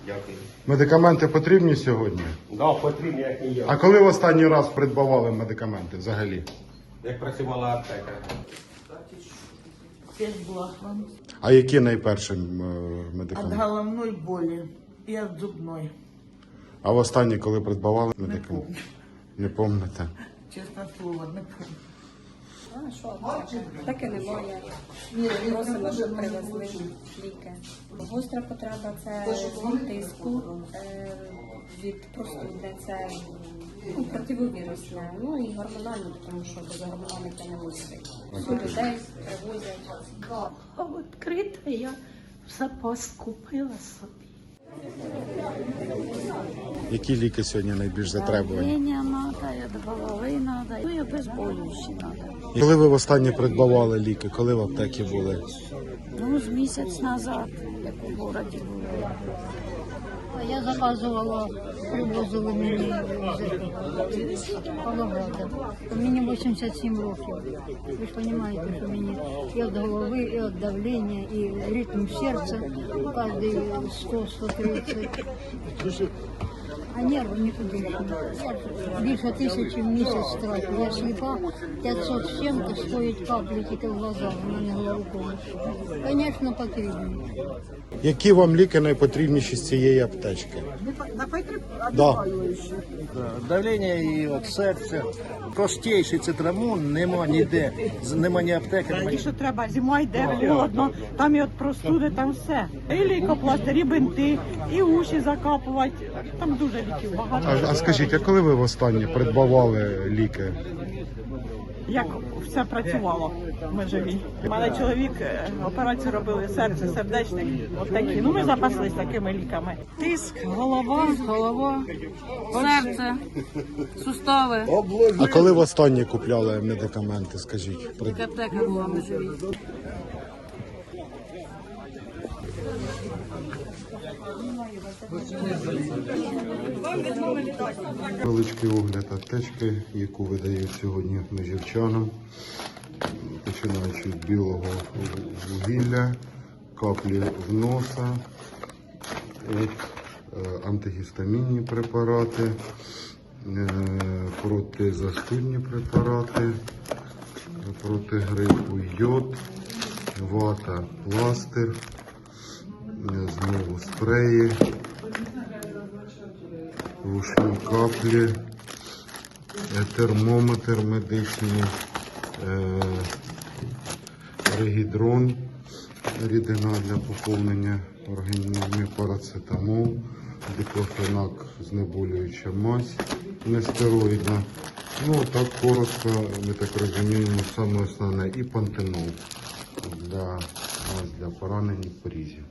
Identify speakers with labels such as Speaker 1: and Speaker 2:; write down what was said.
Speaker 1: Дякую.
Speaker 2: Медикаменти потрібні сьогодні?
Speaker 1: Да, потрібні, як не я.
Speaker 2: А коли в останній раз придбавали медикаменти взагалі?
Speaker 1: Як працювала аптека.
Speaker 3: Фельдблахман.
Speaker 2: А які найперші
Speaker 3: От
Speaker 2: медикаменти?
Speaker 3: головной боли и от зубной.
Speaker 2: А в останній, коли придбавали
Speaker 3: Не
Speaker 2: медикаменти?
Speaker 3: помню.
Speaker 2: Не пам'ятаєте?
Speaker 3: Честное слово, не помню.
Speaker 4: А що? Таке немає. Просимо, щоб привезли ліки. Гостра потреба це від тиску, від простуди, це противовірусне, ну і гормональне, тому що без гормональних не мислить. Всю людей привозять.
Speaker 5: А відкрита я в запас купила собі.
Speaker 2: Які ліки сьогодні найбільш затребувані?
Speaker 5: Давлення надо, і голови надо, ну і обезболюючі надо.
Speaker 2: Коли ви востаннє придбавали ліки? Коли в аптеці були?
Speaker 5: Ну, з місяць назад, як у городі було. А я заказувала, привозили мені з Павлограда. Мені 87 років. Ви ж розумієте, що мені і від голови, і від давлення, і ритм серця кожний 100-130. А нерви нікуди. Більше 1000 в місяць трачу. Я сліпа, 500 з чим-то стоїть каплі тільки в глазах, у мене глаукома. Звісно, потрібно.
Speaker 2: Які вам ліки найпотрібніші з цієї аптечки? Да.
Speaker 6: Давлення і от серця. Простіший цитрамон нема ніде, нема ні аптеки, нема
Speaker 7: І що треба, зима йде, холодно, там і от простуди, там все. І лейкопластир, і бинти, і уші закапувати. Там дуже ліків багато.
Speaker 2: А скажіть, а коли ви востаннє придбавали ліки?
Speaker 7: Як все працювало, ми живі. У мене чоловік операцію робили серце, сердечник, от такі. Ну ми запаслись такими ліками.
Speaker 8: Тиск, голова, серце, сустави.
Speaker 2: А коли востаннє купляли медикаменти, скажіть?
Speaker 8: Аптека була на живі.
Speaker 2: Величкий огляд аптечки, яку видають сьогодні межівчанам, починаючи від білого вугілля, каплі в носа, антигістамінні препарати, протизастудні препарати, проти грипу йод, вата, пластир, знову спреї, вушні каплі, термометр медичний, регідрон, рідина для поповнення організму, парацетамол, диклофенак, знеболююча мазь, нестероїдна. Ну, так коротко, ми так розуміємо, саме основне, і пантенол для поранень і порізів.